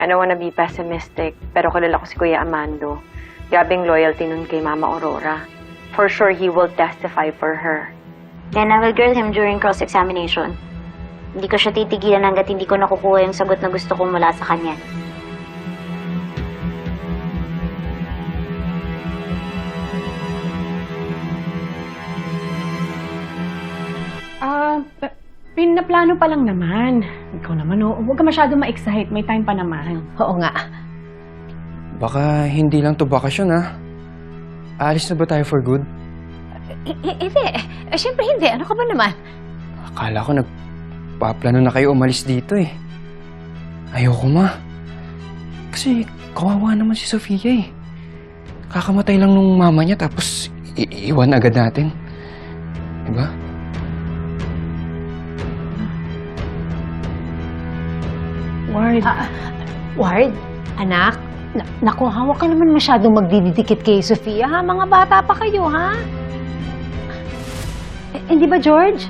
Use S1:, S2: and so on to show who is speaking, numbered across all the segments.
S1: I don't wanna be pessimistic, pero kilala ko si Kuya Amando. Grabing loyalty nun kay Mama Aurora. For sure, he will testify for her.
S2: Then I will grill him during cross-examination. Hindi ko siya titigilan hanggat hindi ko nakukuha yung sagot na gusto ko mula sa kanya.
S3: Pinaplano pa lang naman. Ikaw naman, huwag ka masyado ma-excite. May time pa naman.
S4: Oo nga.
S5: Baka hindi lang to bakasyon, ha? Aalis na ba tayo for good?
S4: Hindi. Siyempre hindi. Ano ka ba naman?
S5: Akala ko nagpaplano na kayo umalis dito, eh. Ayoko, ma. Kasi kawawa naman si Sofia, eh. Kakamatay lang nung mama niya tapos iiwan agad natin. Diba?
S3: Ward.
S4: Ward, anak, naku, hawak ka naman masyadong magdidikit kay Sofia, ha? Mga bata pa kayo, ha? Hindi ba, George?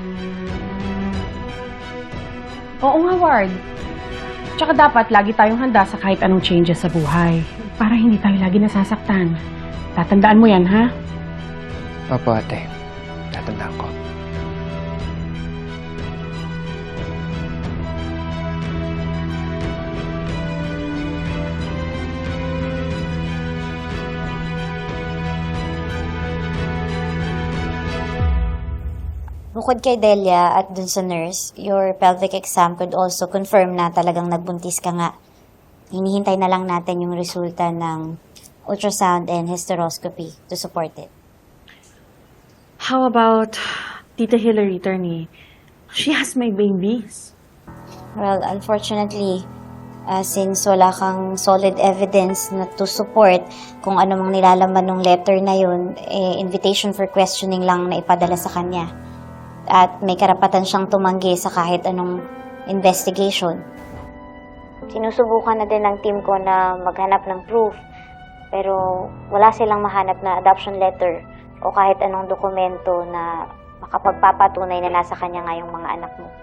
S3: Oo nga, Ward. Tsaka dapat lagi tayong handa sa kahit anong changes sa buhay. Para hindi tayo lagi nasasaktan. Tatandaan mo yan, ha?
S5: Papa, ate. Tatandaan ko.
S2: Bukod kay Delia at dun sa nurse, your pelvic exam could also confirm na talagang nagbuntis ka nga. Hinihintay na lang natin yung resulta ng ultrasound and hysteroscopy to support it.
S1: How about Tita Hillary, Turney? She has my babies.
S2: Well, unfortunately, since wala kang solid evidence na to support kung ano mang nilalaman ng letter na yun, invitation for questioning lang na ipadala sa kanya. At may karapatan siyang tumanggi sa kahit anong investigation. Sinusubukan na din ng team ko na maghanap ng proof, pero wala silang mahanap na adoption letter o kahit anong dokumento na makapagpapatunay na nasa kanya nga yung mga anak mo.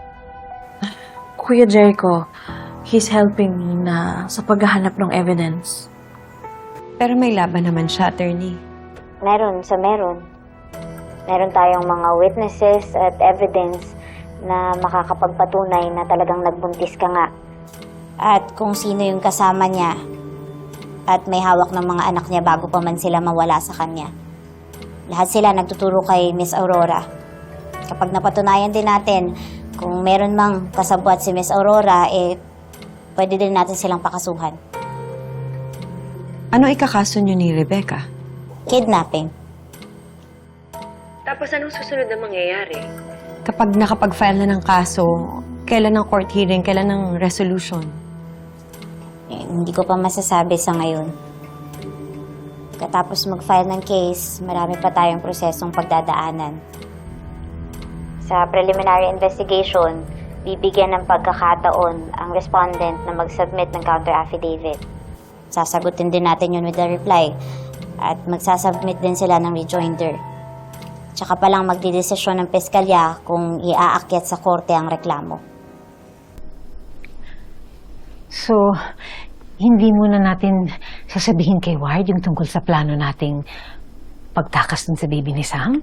S6: Kuya Jericho, he's helping me na sa paghahanap ng evidence.
S7: Pero may laban naman siya, attorney.
S2: Meron. Meron tayong mga witnesses at evidence na makakapagpatunay na talagang nagbuntis ka nga. At kung sino yung kasama niya at may hawak ng mga anak niya bago pa man sila mawala sa kanya. Lahat sila nagtuturo kay Miss Aurora. Kapag napatunayan din natin kung meron mang kasabwat si Miss Aurora, pwede din natin silang pakasuhan.
S7: Ano ikakaso niyo ni Rebecca?
S2: Kidnapping.
S1: Tapos anong susunod na mangyayari?
S7: Kapag nakapag-file na ng kaso, kailan ng court hearing, kailan ng resolution?
S2: Hindi ko pa masasabi sa ngayon. Katapos mag-file ng case, marami pa tayong prosesong pagdadaanan. Sa preliminary investigation, bibigyan ng pagkakataon ang respondent na mag-submit ng counter-affidavit. Sasagutin din natin yun with the reply at magsasubmit din sila ng rejoinder. Tsaka palang magdidesisyon ng piskalya kung iaakyat sa korte ang reklamo.
S4: So, hindi muna natin sasabihin kay Ward yung tungkol sa plano nating pagtakas dun sa baby ni Sam?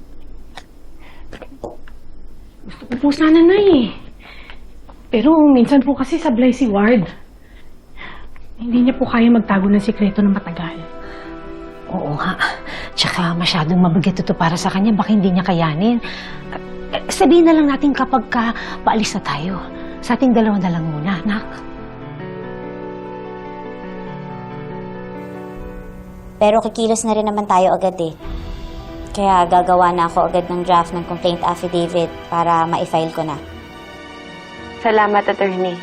S3: Gusto ko po sana na eh. Pero minsan po kasi sablay si Ward. Hindi niya po kaya magtago ng sikreto ng matagal.
S4: Oo nga. Tsaka masyadong mabigat ito para sa kanya. Baka hindi niya kayanin. Sabihin na lang natin kapag paalis na tayo. Sa ating dalawa na lang muna, anak.
S2: Pero kikilos na rin naman tayo agad eh. Kaya gagawa na ako agad ng draft ng complaint affidavit para ma-file ko na.
S1: Salamat, attorney.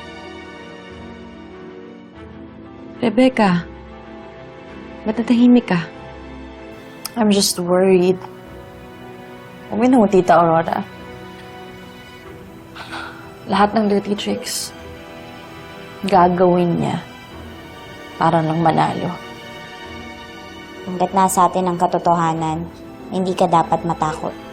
S7: Rebecca, ba't natahimik ka?
S6: I'm just worried. Uwi na mo, Tita Aurora. Lahat ng dirty tricks, gagawin niya para lang manalo.
S2: Hanggat nasa atin ang katotohanan, hindi ka dapat matakot.